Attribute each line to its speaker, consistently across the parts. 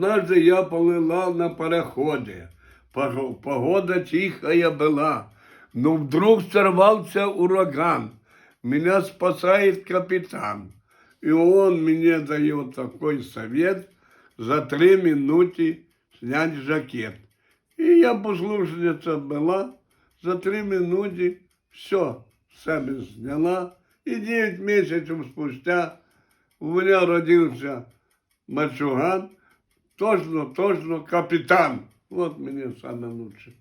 Speaker 1: Однажды я плыла на пароходе. Погода тихая была. Но вдруг сорвался ураган. Меня спасает капитан. И он мне дает такой совет: за 3 минуты снять жакет. И я послушница была, за 3 минуты все себе сняла. И 9 месяцев спустя у меня родился мальчуган, точно капитан. Вот мне саме лучше.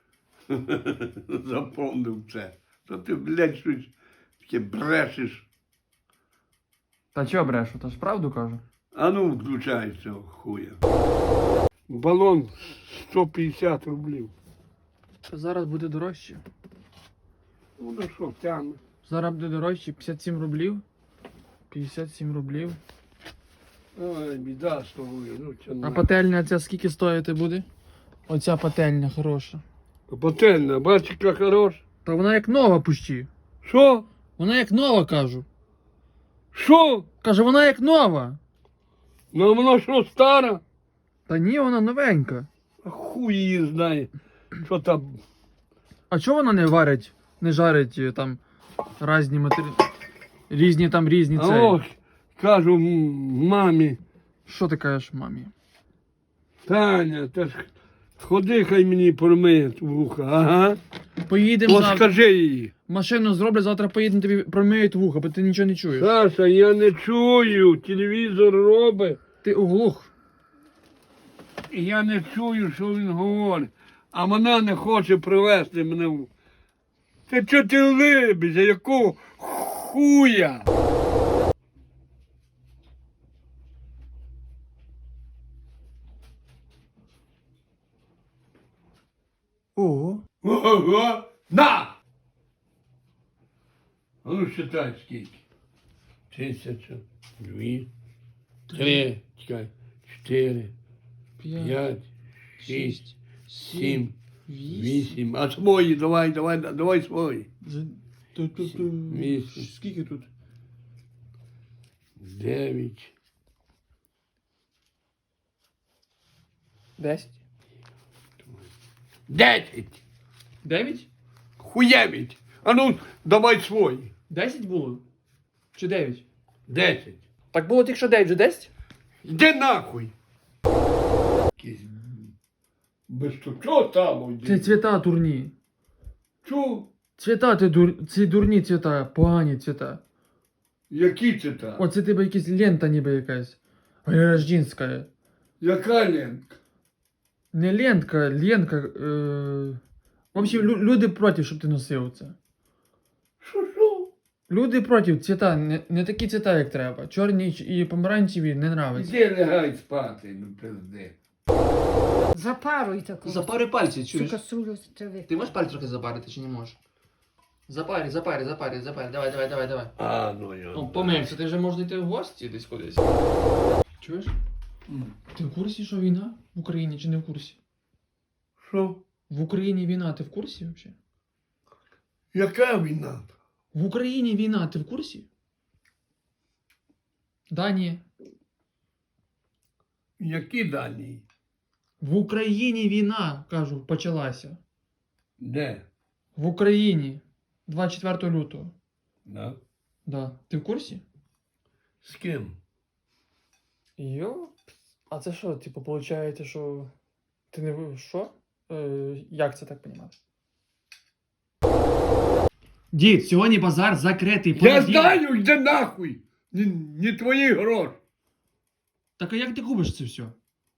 Speaker 1: Запомнив це. То ти, блядь, щось таке брешеш.
Speaker 2: Та чого брешу? Та ж правду кажу.
Speaker 1: А ну, включай цього хуя. Балон 150 рублів.
Speaker 2: Зараз буде дорожче.
Speaker 1: Ну, на що, тягне?
Speaker 2: Зараз буде дорожче 57 рублів. 57 рублів.
Speaker 1: Ой, біда з тобою. Ну, це
Speaker 2: А
Speaker 1: на.
Speaker 2: пательня ця скільки стоїти буде? Оця пательня хороша.
Speaker 1: Пательня, бачиш, яка хороша.
Speaker 2: Та вона як нова пущі.
Speaker 1: Що?
Speaker 2: Вона як нова, кажу.
Speaker 1: Що?
Speaker 2: Каже, вона як нова.
Speaker 1: Ну, воно що, стара?
Speaker 2: Та ні, вона новенька.
Speaker 1: А хуй її знає. Що там?
Speaker 2: А чого вона не варить, не жарить там різні різні
Speaker 1: А
Speaker 2: цей?
Speaker 1: ось, кажу мамі,
Speaker 2: Що ти кажеш мамі?
Speaker 1: Таня, та ж ходи, хай мені промиють вуха, ага.
Speaker 2: Поїдемо
Speaker 1: От
Speaker 2: завтра.
Speaker 1: скажи їй.
Speaker 2: Машину зроблять, завтра поїдемо, тобі промиють вуха, бо ти нічого не чуєш.
Speaker 1: Саша, я не чую, телевізор робить,
Speaker 2: Ти оглух.
Speaker 1: і я не чую, що він говорить. А вона не хоче привезти мене в... Та чого ти либися, якого хуя?
Speaker 2: Ого.
Speaker 1: Ого, на! А ну считай скільки. 1000, 2, 3, чекай, 4, 5, 6, 7, 8. А свої, давай свої. Вісім.
Speaker 2: Скільки тут?
Speaker 1: 9.
Speaker 2: 10.
Speaker 1: 10.
Speaker 2: 9?
Speaker 1: Хуєвіть. А ну, давай свої.
Speaker 2: 10 було? Чи 9?
Speaker 1: 10.
Speaker 2: Так було тільки що 9, вже 10?
Speaker 1: Йди нахуй. Якийсь без чого там
Speaker 2: Це
Speaker 1: йди.
Speaker 2: цвіта дурні.
Speaker 1: Чого?
Speaker 2: Цвіта, ці дурні цвіта, погані цвіта.
Speaker 1: Які це там?
Speaker 2: Оце тебе якась лента ніби якась. Рождінська.
Speaker 1: Яка лентка?
Speaker 2: Не лентка, ленка. В общем, люди проти, щоб ти носив це.
Speaker 1: Що?
Speaker 2: Люди проти цвіта, не такі цвіта, як треба. Чорні і помаранчеві не нравиться.
Speaker 1: Іди лягай спати, ну пизди.
Speaker 3: Запаруй таку.
Speaker 2: Запари пальці,
Speaker 3: Цю
Speaker 2: чуєш?
Speaker 3: каструлю трави.
Speaker 2: Ти можеш пальці трохи запарити чи не можеш? Запарі. Давай.
Speaker 1: А, ну я.
Speaker 2: Ну, помився, ти вже можеш йти в гості десь кудись. Чуєш? Ти в курсі, що війна в Україні чи не в курсі?
Speaker 1: Що?
Speaker 2: В Україні війна, ти в курсі взагалі?
Speaker 1: Яка війна?
Speaker 2: В Україні війна, ти в курсі? Да, ні.
Speaker 1: Які дані?
Speaker 2: В Україні війна, кажу, почалася.
Speaker 1: Де?
Speaker 2: В Україні. 24 лютого.
Speaker 1: Да?
Speaker 2: Да. Ти в курсі?
Speaker 1: З ким?
Speaker 2: Йо? А це що, типу, виходить, що ти не... Що? Як це так понімати? Дід, сьогодні базар закритий.
Speaker 1: Я знаю, йди нахуй! Не твої гроші.
Speaker 2: Так а як ти купиш це все?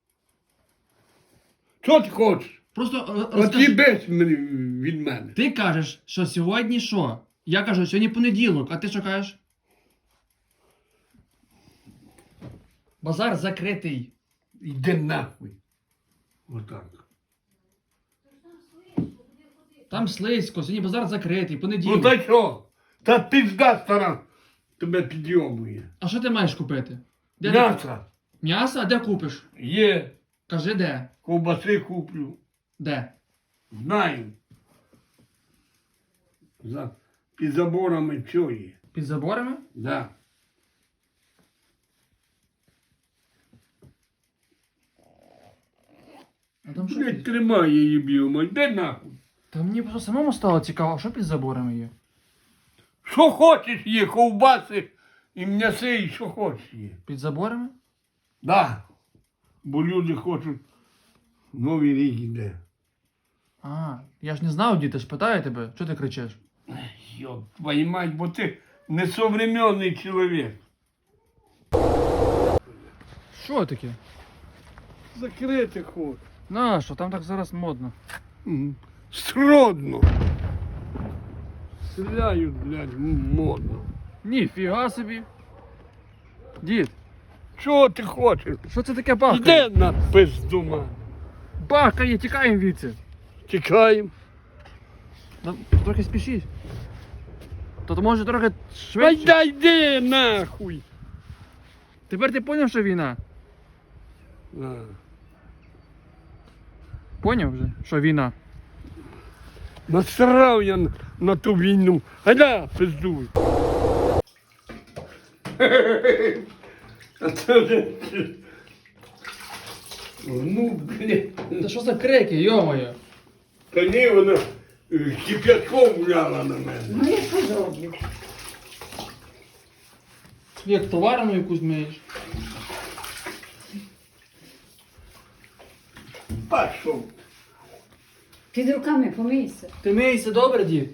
Speaker 1: Що ти хочеш?
Speaker 2: Просто
Speaker 1: От
Speaker 2: розкажи.
Speaker 1: їбись мені від мене.
Speaker 2: Ти кажеш, що сьогодні що? Я кажу, сьогодні понеділок, а ти що кажеш? Базар закритий.
Speaker 1: Йди нахуй. Отак.
Speaker 2: Там слизько, сьогодні базар закритий,
Speaker 1: Ну
Speaker 2: понеділок.
Speaker 1: та що? Та пізда стара тебе підйомує.
Speaker 2: А що ти маєш купити? Де ти-
Speaker 1: М'ясо
Speaker 2: М'ясо? А де купиш?
Speaker 1: є,
Speaker 2: Кажи де?
Speaker 1: ковбаси куплю.
Speaker 2: Де?
Speaker 1: Знаю. Під заборами все є.
Speaker 2: Під заборами?
Speaker 1: Да.
Speaker 2: А там що?
Speaker 1: Блядь, тримай її б'ємо, йди нахуй.
Speaker 2: Та мені просто самому стало цікаво, а що під заборами є?
Speaker 1: Що хочеш є, ковбаси і м'яси, і що хочеш є.
Speaker 2: Під заборами?
Speaker 1: Да. Бо люди хочуть, Новий рік іде.
Speaker 2: А, я ж не знав, діти ж питаю тебе, що ти кричиш?
Speaker 1: Йоп, твою мать, бо ти несовременний чоловік.
Speaker 2: Що таке?
Speaker 1: Закрити хочеш.
Speaker 2: Нащо? Там так зараз модно.
Speaker 1: Сродно. Стріляють, блядь, модно.
Speaker 2: Ніфіга собі. Дід,
Speaker 1: Чого ти хочеш?
Speaker 2: що це таке бахкає?
Speaker 1: Йди на пизду, мать.
Speaker 2: Бахкає, тікаємо звідси.
Speaker 1: Тікаємо.
Speaker 2: Трохи спішіть. То може трохи
Speaker 1: Ай
Speaker 2: швидше?
Speaker 1: да йди нахуй.
Speaker 2: Тепер ти поняв, що війна?
Speaker 1: А.
Speaker 2: Поняв вже, що війна?
Speaker 1: Насрав я на ту війну. Гайда, пиздуй. А це вже... Ну, блядь.
Speaker 2: Та що за крики, йо-моє?
Speaker 1: Та ні, вона кип'ятком вляла на мене.
Speaker 3: Ну я що зроблю?
Speaker 2: Як товарну якусь миєш?
Speaker 1: Пішов.
Speaker 3: Під руками помийся.
Speaker 2: Ти миєшся добре, дід?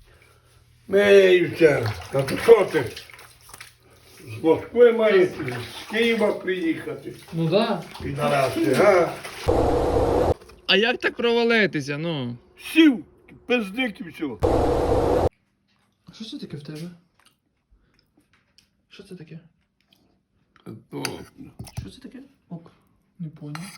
Speaker 1: Меюся. Та то що ти? З Москви маєш з Києва приїхати.
Speaker 2: Ну да.
Speaker 1: Підараси, га?
Speaker 2: А як так провалитися, ну?
Speaker 1: Сів, пиздик і все.
Speaker 2: Що це таке в тебе? Що це таке? Що це таке? Ок, не поняв.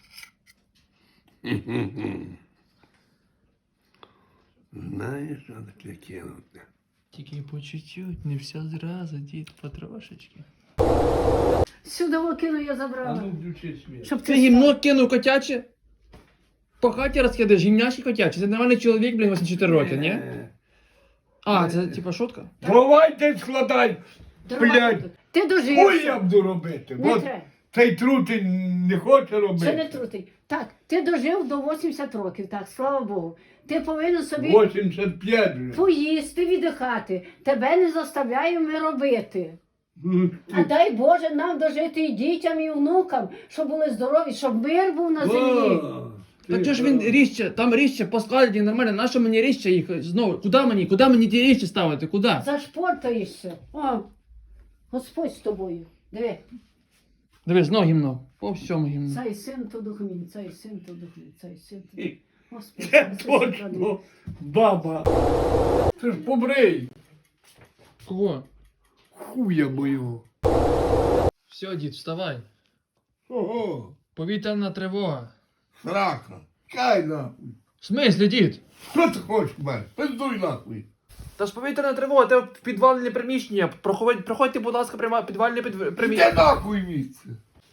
Speaker 1: Знаєш, що таке кинути?
Speaker 2: Тільки по чуть-чуть, не все зразу, дід, потрошечки.
Speaker 3: Сюди окину я забрала.
Speaker 1: включи світ.
Speaker 3: Щоб
Speaker 2: Ти
Speaker 3: ти
Speaker 2: гімно кинув котяче? По хаті розкидаєш, гімняшки котячі. Це нормальний чоловік, блін, 84 роки, ні? А, це типа шутка?
Speaker 1: Давайте складай.
Speaker 3: Дрова
Speaker 1: блядь.
Speaker 3: будуть. Ти
Speaker 1: Ой,
Speaker 3: дожився.
Speaker 1: я буду робити.
Speaker 3: Не
Speaker 1: От
Speaker 3: треба.
Speaker 1: цей трутень не хоче
Speaker 3: Це не
Speaker 1: робити.
Speaker 3: трутий. Так, ти дожив до 80 років, так, слава Богу. Ти повинен собі
Speaker 1: 85 вже.
Speaker 3: поїсти, віддихати. Тебе не заставляємо робити.
Speaker 1: Ну,
Speaker 3: А дай Боже нам дожити і дітям, і внукам, щоб були здорові, щоб мир був на землі.
Speaker 2: Так чого ж він ріжче, там ріжче поскладені нормально, нащо мені ріжче їх знову? Куди мені ті ріжче ставити, куди?
Speaker 3: Зашпортаєшся. О, Господь з тобою. Диви,
Speaker 2: Дивись, знову гімно, по всьому гімно.
Speaker 3: цей син то духмін, цей син то духмін, цей син то духмін. Господи,
Speaker 1: Це
Speaker 3: Господи,
Speaker 1: точно баба. Ти ж побрий.
Speaker 2: Кого?
Speaker 1: Хуя мою.
Speaker 2: Все, дід, вставай.
Speaker 1: Ого.
Speaker 2: Повітряна тривога.
Speaker 1: Срака. Кай нахуй.
Speaker 2: В смислі, дід?
Speaker 1: Що ти хочеш в мене? Пиздуй нахуй.
Speaker 2: Та ж повітряна тривога, те в підвальне приміщення. Проходьте, будь ласка, підвальне
Speaker 1: Іди
Speaker 2: приміщення.
Speaker 1: нахуй віце.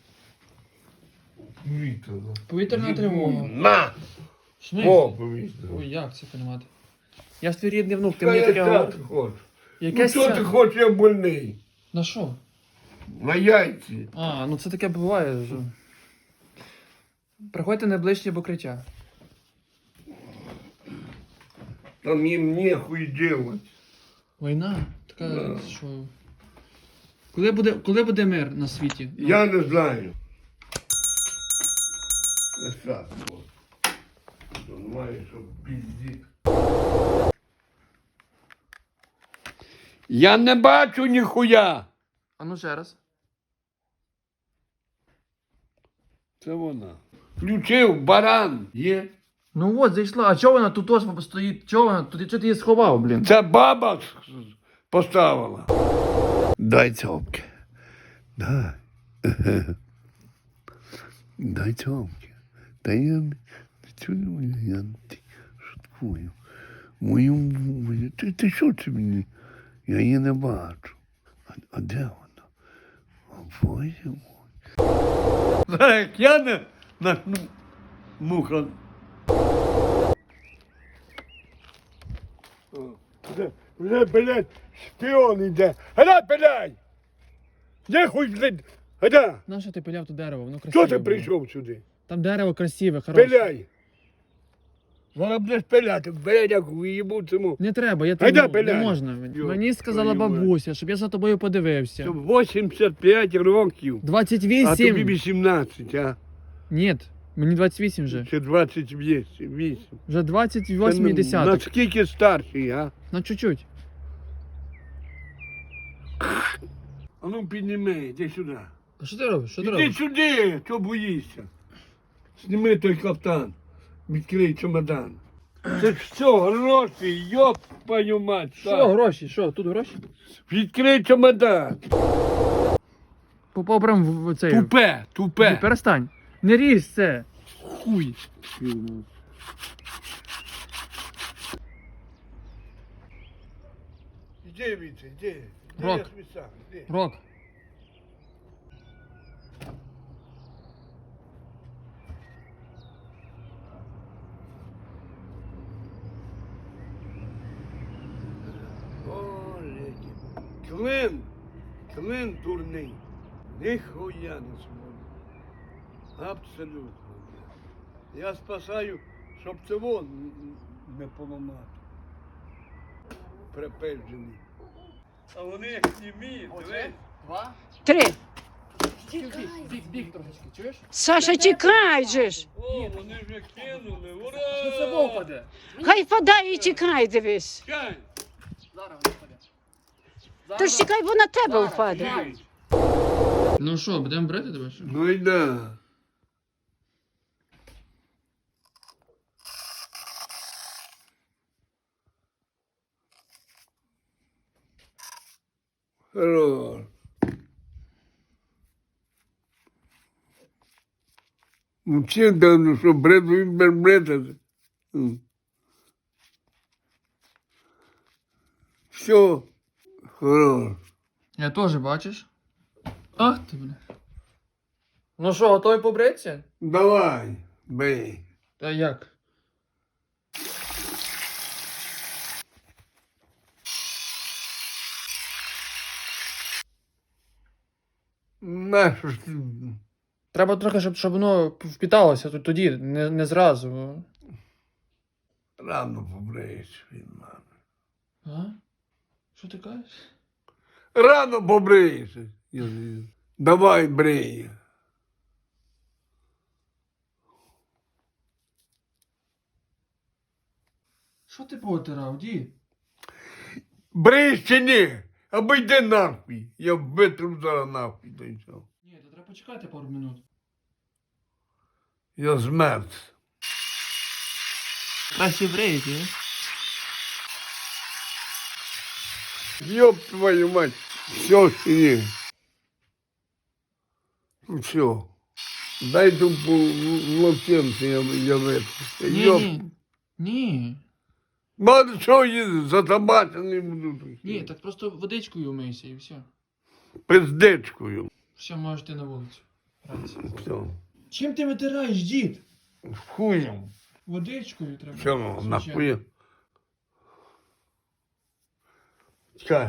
Speaker 1: Віце.
Speaker 2: Повітряна тривога.
Speaker 1: На.
Speaker 2: В смислі?
Speaker 1: О, повітря.
Speaker 2: Ой, як це понімати? Я ж твій рідний внук, ти
Speaker 1: Та
Speaker 2: мені таке
Speaker 1: яка
Speaker 2: говориш.
Speaker 1: ти хочеш?
Speaker 2: Яке
Speaker 1: Ну що ти
Speaker 2: свято?
Speaker 1: хочеш, я больний?
Speaker 2: На що?
Speaker 1: На яйці.
Speaker 2: А, ну це таке буває вже. Приходьте на ближче покриття.
Speaker 1: Там їм нехуй делать.
Speaker 2: Війна? Така,
Speaker 1: Да.
Speaker 2: що... Коли буде мир на світі? Ну,
Speaker 1: Я не знаю. Це так, от. Думаю, що пізді. Я не бачу ніхуя.
Speaker 2: А ну ще раз.
Speaker 1: Це вона. Включив баран. Є.
Speaker 2: Ну от, зайшла. А чого вона тут ось стоїть? Чого вона тут? Чого ти її сховав, блін?
Speaker 1: Це баба поставила. Дай цьомки. Дай. Дай цьомки. Та я не цілую, я шуткую. Мою, ти що це мені? Я її не бачу. А де вона? О, Боже мой. Так, я не начну муха. Вже, блядь, шпіон іде. Гада, блядь! Де хуй, блядь, гада?
Speaker 2: Нащо ти пиляв то дерево? Воно красиве.
Speaker 1: Хто ти
Speaker 2: було.
Speaker 1: прийшов сюди?
Speaker 2: Там дерево красиве, хороше.
Speaker 1: Пиляй. Зараз будеш пиляти, блядь, як виїбу цьому.
Speaker 2: Не треба, я
Speaker 1: Гайда,
Speaker 2: не
Speaker 1: пиляй.
Speaker 2: можна.
Speaker 1: Йо,
Speaker 2: Мені сказала
Speaker 1: твою мать.
Speaker 2: бабуся, щоб я за тобою подивився.
Speaker 1: Це 85 років. А тобі
Speaker 2: 28.
Speaker 1: 18, а?
Speaker 2: Ні, мені 28 вже.
Speaker 1: Чи 28.
Speaker 2: Вже 28 десяток.
Speaker 1: Наскільки старший, а?
Speaker 2: На чуть-чуть.
Speaker 1: А ну підніми, іди сюди.
Speaker 2: А що ти робиш? Що ти
Speaker 1: Іди
Speaker 2: робиш?
Speaker 1: сюди, чого боїшся? Зніми той кафтан, відкрий чемодан. Це ж все, гроші, йоп, твою мать.
Speaker 2: Що, гроші? Що, тут гроші?
Speaker 1: Відкрий чемодан.
Speaker 2: Попав прям в цей.
Speaker 1: Тупе.
Speaker 2: Перестань. Не ріж це.
Speaker 1: Хуй. Іди, Віце, іди.
Speaker 2: Рок.
Speaker 1: Я собі сам, іди.
Speaker 2: Рок.
Speaker 1: О, леді. Клин дурний. Ніхуя не свободний. Абсолютно. Я спасаю, щоб цього не поламати. Припежений. А вони як німі, дивись.
Speaker 3: 3.
Speaker 2: Біг трошечки, чуєш?
Speaker 3: Саша, тікай же ж.
Speaker 1: О, вони вже кинули, ура!
Speaker 2: Що це вовпаде?
Speaker 3: Хай впадає і тікай, дивись.
Speaker 1: Чай!
Speaker 2: Зараз випаде.
Speaker 3: Тож тікай, бо на тебе впаде.
Speaker 2: Ну що, будемо брати тебе? Що?
Speaker 1: Ну і да. Хорош. Ну чим там, що бред, він без бредати. Все. Хорош.
Speaker 2: Я теж, бачиш? Ах ти, бля. Ну що, готовий побритися?
Speaker 1: Давай, бей.
Speaker 2: Та як?
Speaker 1: Нащо ж ти?
Speaker 2: Треба трохи, щоб воно впіталося тоді, не зразу.
Speaker 1: Рано побриєш від мене.
Speaker 2: А? Що ти кажеш?
Speaker 1: Рано побриєш. Давай, брий.
Speaker 2: Що ти повитирав, дід?
Speaker 1: Бриєш чи ні? Або йди нахуй. Я витру зараз нахуй. Та й все.
Speaker 2: Ні, то треба почекати пару минут.
Speaker 1: Я змерз.
Speaker 2: Краще бреєте, а?
Speaker 1: Ёб твою мать. Все чи ні? Ну все. Дай ту локтенце, я витру.
Speaker 2: Ні. Ні.
Speaker 1: Мало що їздить, затабачений буду.
Speaker 2: Ні, так просто водичкою умийся і все.
Speaker 1: Пиздечкою.
Speaker 2: Все, можеш ти на вулицю. Гратися.
Speaker 1: Все.
Speaker 2: Чим ти витираєш, дід?
Speaker 1: Хуєм.
Speaker 2: Водичкою треба.
Speaker 1: Все, нахуя. Чекай.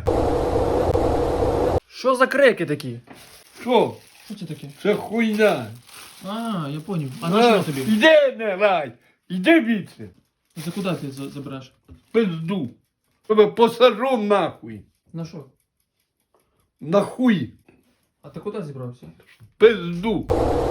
Speaker 2: Що за крики такі?
Speaker 1: Що?
Speaker 2: Що це таке?
Speaker 1: Це хуйня.
Speaker 2: А, я поняв. А на що тобі?
Speaker 1: Іди, не рай. Іди віце.
Speaker 2: За куди ти забереш?
Speaker 1: Пизду. Тебе посажу нахуй.
Speaker 2: На що?
Speaker 1: Нахуй.
Speaker 2: А ти куди зібрався?
Speaker 1: Пизду.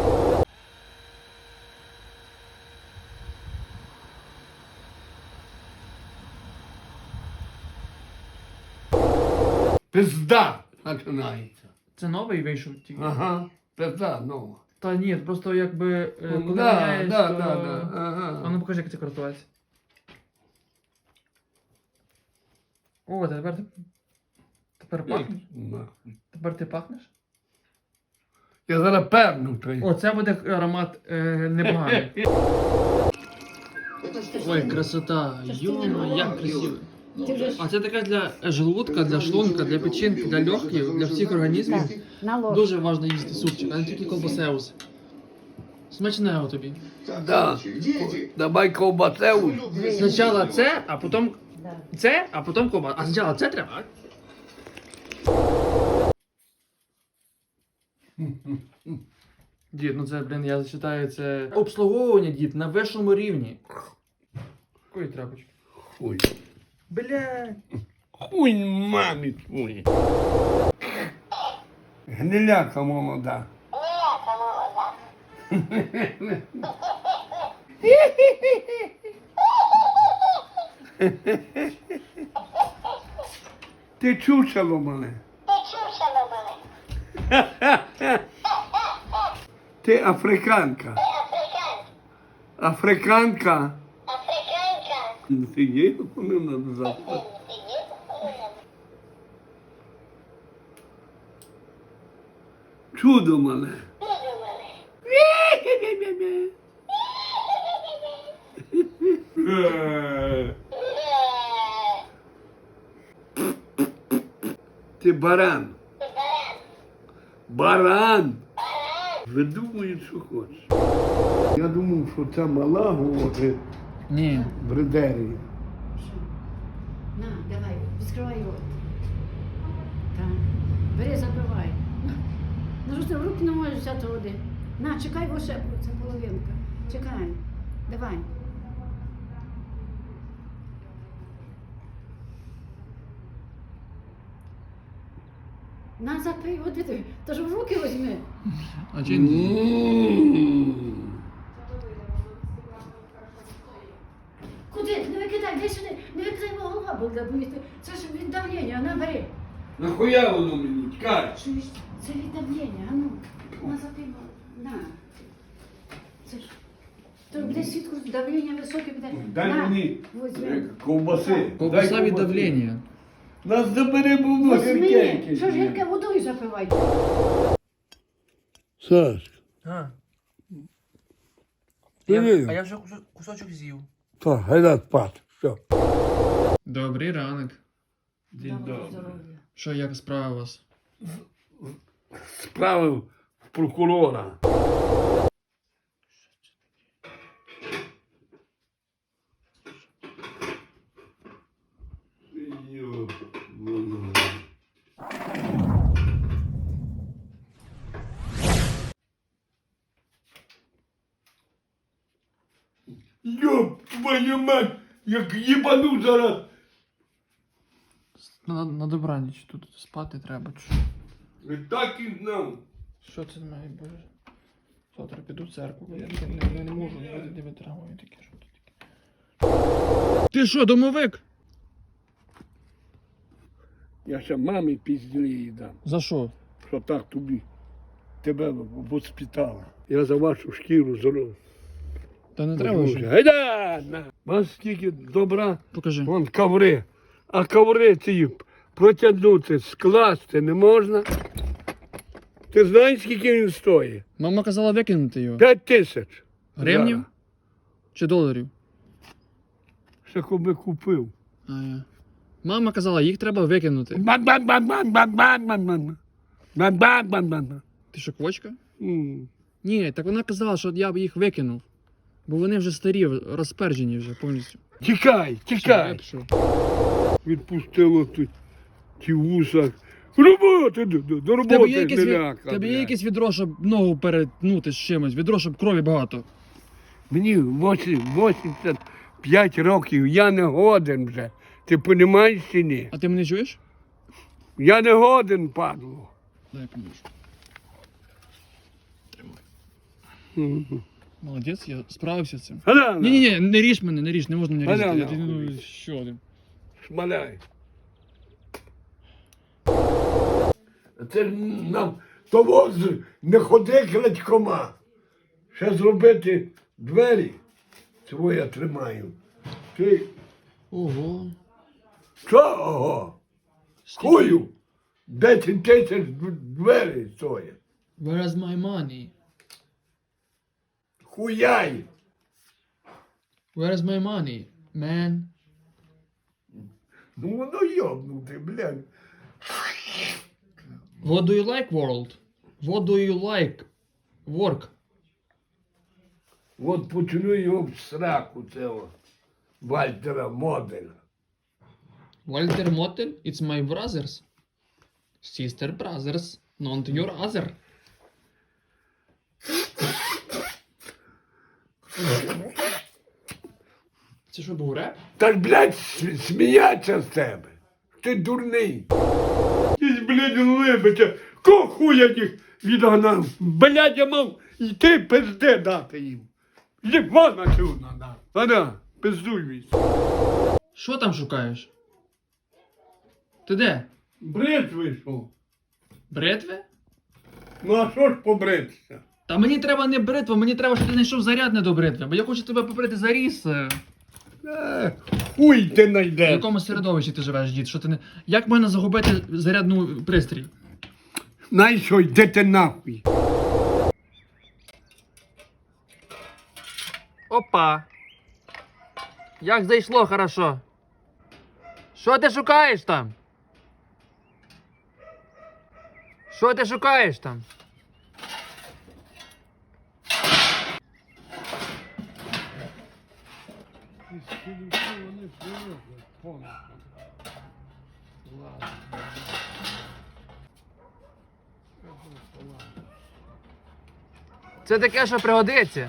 Speaker 1: Пизда починається.
Speaker 2: Це новий вийшов тільки.
Speaker 1: Ага. Пизда нова.
Speaker 2: Та ні, просто якби коли
Speaker 1: Да,
Speaker 2: міняєш,
Speaker 1: да,
Speaker 2: то...
Speaker 1: да, да. Ага.
Speaker 2: А ну покажи, як це користуватися. О, тепер пахнеш?
Speaker 1: Нахуй.
Speaker 2: Тепер ти пахнеш?
Speaker 1: Я зараз перну той.
Speaker 2: О, це буде аромат непоганий. Ой, красота. Йо, як красиво. А це така для желудка, для шлунка, для печінки, для легких, для всіх організмів.
Speaker 3: На ложку.
Speaker 2: Дуже важливо їсти супчик, а не тільки колбасеус. Смачного тобі.
Speaker 1: Да. Давай ковбасеу.
Speaker 2: Спочатку це, а потім це, а потім колбаса. А спочатку це треба. Дід, ну це, блін, я зачитаю, це обслуговування, дід, на вищому рівні. Якої тряпочки?
Speaker 1: Хуй.
Speaker 2: Блядь.
Speaker 1: Хуй мамі твої. Гниляка молода. Ти чучело мене. Ти африканка. Африканка. Ти є, вони надо завтра. Чудо мене. Ти баран. Баран. Видумують, що хочеш. Я думав, що ця мала говорить
Speaker 2: Ні.
Speaker 1: бредері.
Speaker 3: На, давай, відкривай рот. Так. Бери, забивай. Ну що ти в руки не можеш взяти води. На, чекай, бо ще це половинка. Чекай. Давай. На, запий води. То ж в руки візьми.
Speaker 2: А чи ні?
Speaker 3: Куди? Не викидай, де сюди. Не викидай, бо голова буде боліти. Це ж від давлення, на, бери.
Speaker 1: Нахуя воно мені? Тікай.
Speaker 3: Чуєш? Це від давлення, а ну. На, запий, на. Це ж. То буде свідку, давлення високе буде.
Speaker 1: Дай
Speaker 3: На,
Speaker 1: мені
Speaker 3: возьми.
Speaker 1: ковбаси.
Speaker 2: Ковбаса
Speaker 1: Дай
Speaker 2: від
Speaker 1: ковбаси.
Speaker 2: давлення.
Speaker 1: Нас забери, бо воно гірке
Speaker 3: Возьми.
Speaker 1: якесь.
Speaker 3: Що ж гірке водою запивай?
Speaker 1: Саш,
Speaker 4: А,
Speaker 1: Привіт.
Speaker 4: а я вже кусочок з'їв.
Speaker 1: так, гайда спати. Все.
Speaker 2: Добрий ранок.
Speaker 1: День добрий.
Speaker 3: Здоров'я.
Speaker 2: Що, як справа у вас?
Speaker 1: Справив в прокурора. Ёб твою мать, як їбану зараз.
Speaker 2: На добраніч, тут спати треба.
Speaker 1: І так і знав.
Speaker 2: Що це має бути? Завтра піду в церкву, я не можу, не витримую таке, що тут таке. Ти що, домовик?
Speaker 1: Я ще мамі пізді дам,
Speaker 2: За що?
Speaker 1: що так тобі. Тебе воспитала. Я за вашу шкіру зробив.
Speaker 2: Та не треба вже.
Speaker 1: Гайда! на. Вас скільки добра,
Speaker 2: Покажи.
Speaker 1: вон коври. А коври ці протягнути, скласти не можна. Ти знаєш, скільки він стоїть?
Speaker 2: Мама казала викинути його.
Speaker 1: 5000.
Speaker 2: Гривнів?
Speaker 1: Зараз.
Speaker 2: Чи доларів?
Speaker 1: Ще коби купив.
Speaker 2: А, я. Мама казала, їх треба викинути.
Speaker 1: Бан-бан-бан-бан-бан-бан-бан-бан. Бан-бан-бан-бан.
Speaker 2: Ти що, квочка?
Speaker 1: М.
Speaker 2: Ні, так вона казала, що я б їх викинув. Бо вони вже старі, розпержені вже повністю.
Speaker 1: Тікай,
Speaker 2: Все, я
Speaker 1: тікай.
Speaker 2: пішов.
Speaker 1: Відпустило тут ті вуса. Роботи, до
Speaker 2: В тебе є
Speaker 1: роботи
Speaker 2: якесь,
Speaker 1: не ляка.
Speaker 2: тебе є
Speaker 1: блядь.
Speaker 2: якесь відро, щоб ногу перетнути з чимось, відро, щоб крові багато.
Speaker 1: Мені 85 років, я не годен вже. Ти розумієш чи ні?
Speaker 2: А ти мене чуєш?
Speaker 1: Я не годен, падло.
Speaker 2: Дай поможу.
Speaker 1: Мгм.
Speaker 2: Молодець, я справився з цим.
Speaker 1: Галяна,
Speaker 2: Ні, не ріж мене, не ріж, не можна мене різати.
Speaker 1: Галяна,
Speaker 2: Я, ну,
Speaker 1: хуй.
Speaker 2: що ти?
Speaker 1: шмаляй. Це ж нам того не ходи крадькома. Ще зробити двері. Цього я тримаю. Ти
Speaker 2: Ого.
Speaker 1: чого? Хую? 10 тисяч двері стоять.
Speaker 2: Where is my money?
Speaker 1: Хуяй.
Speaker 2: Where is my money, man?
Speaker 1: Ну воно йобнути, блядь.
Speaker 2: What do you like, world? What do you like? Work.
Speaker 1: От почну його в сраку цього Вальтера Моделя.
Speaker 2: Walter Motel, it's my brothers. Sister brothers, not your other. Це що був реп?
Speaker 1: Та ж, блядь, сміяться з тебе. Ти дурний. Ти, блядь, либиться. Кого хуя їх відгнав? Блядь, я мав йти пизди дати їм. Єбана чудна дати. Ада, пиздуй вісь.
Speaker 2: Що там шукаєш? Ти де?
Speaker 1: Бред вийшов.
Speaker 2: Бритви?
Speaker 1: Ну а що ж побритися?
Speaker 2: Та мені треба не бритва, мені треба, щоб ти знайшов зарядне до бритви, бо я хочу тебе побрити заріз.
Speaker 1: Хуй ти
Speaker 2: В
Speaker 1: найдеш.
Speaker 2: якому середовищі ти живеш, дід? Що ти не... Як можна загубити зарядну пристрій?
Speaker 1: Най що, йди ти нахуй.
Speaker 2: Опа. Як зайшло хорошо. Що ти шукаєш там? Що ти шукаєш там? Це таке, що пригодиться.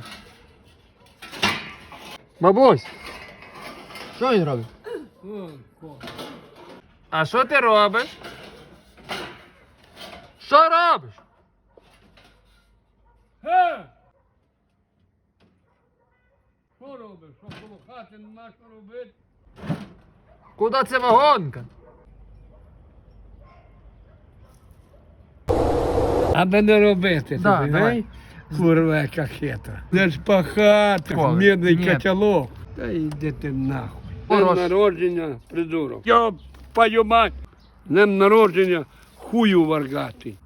Speaker 2: Бабусь, що він робить? А що ти робиш? Що робиш?
Speaker 1: Що робиш? Що коло хати нема що робити?
Speaker 2: Куди це вагонка?
Speaker 1: Аби не робити
Speaker 2: Да,
Speaker 1: тобі,
Speaker 2: давай.
Speaker 1: гей? Курва, яка хитра. Де ж пахати,
Speaker 2: Коли?
Speaker 1: мідний
Speaker 2: Ні.
Speaker 1: котелок. Та йди ти нахуй.
Speaker 2: Хорош.
Speaker 1: Днем народження, придурок. Я пою мать. Днем народження, хую варгатий.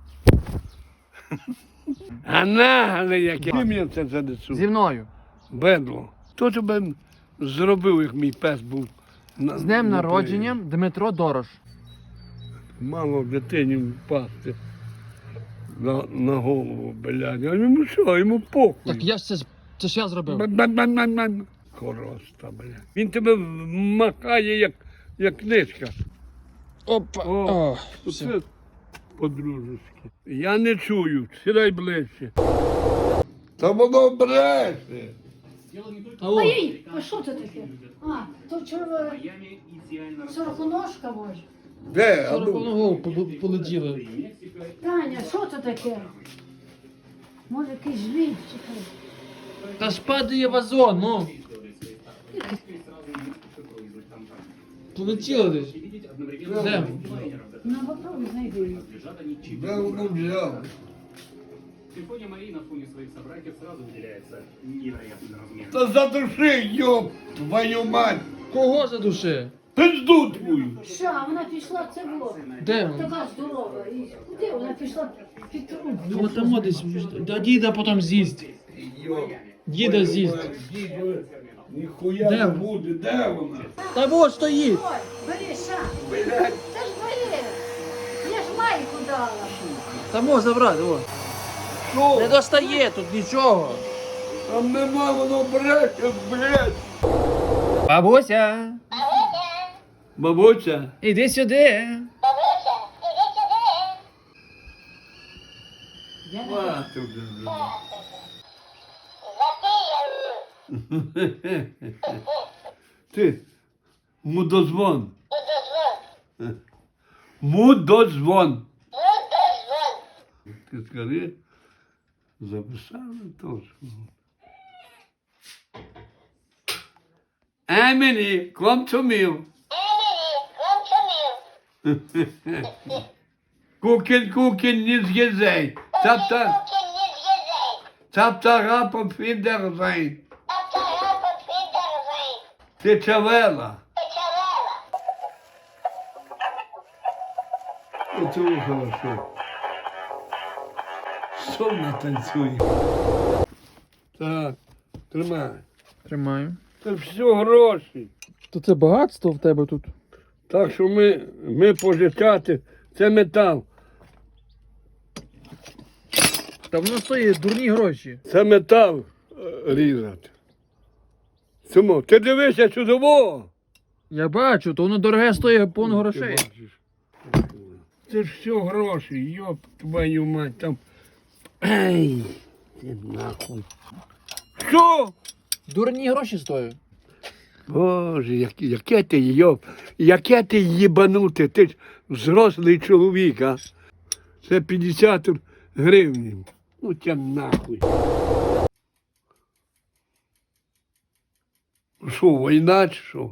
Speaker 1: А нагле яке. Чим я це занесу?
Speaker 2: Зі мною.
Speaker 1: Бедло. Хто тебе зробив, як мій пес був?
Speaker 2: З днем народження Дмитро Дорош.
Speaker 1: Мало дитині впасти на голову, блядь. А йому що, йому похуй.
Speaker 2: Так я ж це ж я зробив.
Speaker 1: Бан-бан-бан-бан. Хороста, блядь. Він тебе махає, як книжка.
Speaker 2: Опа.
Speaker 1: О, це по-дружески. Я не чую, сідай ближче. Та воно бреше.
Speaker 2: Алло.
Speaker 3: Ой, а що це таке? А, то чорна сороконожка може.
Speaker 1: Де? А ну?
Speaker 2: Сороконого полетіли.
Speaker 3: Таня, що це таке? Може якийсь жліб, чекай.
Speaker 2: Та ж падає вазон, ну. Полетіли десь. Де?
Speaker 3: Ну, попробуй знайди її.
Speaker 1: Де воно взяв?
Speaker 4: Симфония Марии на фоне своих собратьев сразу выделяется невероятным размером.
Speaker 1: Та задуши, йоп, твою мать.
Speaker 2: Кого за душі?
Speaker 1: Пизду твою.
Speaker 3: Що, а вона пішла, це було.
Speaker 2: Де вона?
Speaker 3: Така здорова. І куди вона пішла під труп?
Speaker 2: Ну там десь. Да діда потім з'їсть. Діда з'їсть.
Speaker 1: Ніхуя
Speaker 2: Де
Speaker 1: не
Speaker 2: вона?
Speaker 1: буде, де вона?
Speaker 2: Та вот стоїть.
Speaker 3: Ой, бери, ша.
Speaker 1: Блядь.
Speaker 3: Це ж твоє. Я ж майку дала.
Speaker 2: Та можна забрати, о.
Speaker 1: Що?
Speaker 2: Не достає тут нічого.
Speaker 1: Там нема, воно бреше, блядь.
Speaker 2: Бабуся,
Speaker 1: Бабуся.
Speaker 2: іди сюди.
Speaker 1: Мати вже. Ти, мудозвон. Мудозвон. Ти скажи, записали точно. Emily, come to me. Kuchen, nicht gesehen. Taptara auf Wiedersehen. Ти чавела. Оце хорошо. Сонно танцює. Так, тримай.
Speaker 2: Тримаю.
Speaker 1: Це все гроші.
Speaker 2: То це багатство в тебе тут.
Speaker 1: Так що ми пожичати, це метал.
Speaker 2: Та воно стоїть дурні гроші.
Speaker 1: Це метал різати. Чому? Ти дивися сюди.
Speaker 2: Я бачу, то воно дороге стоїть повно грошей.
Speaker 1: Ти бачиш. Це ж все гроші, йоп твою мать, там. Ай, ти нахуй. Що?
Speaker 2: Дурні гроші стоять.
Speaker 1: Боже, яке ти їбануте, ти ж взрослий чоловік, а? Це 50 гривень. Ну тя нахуй. Що, війна чи що?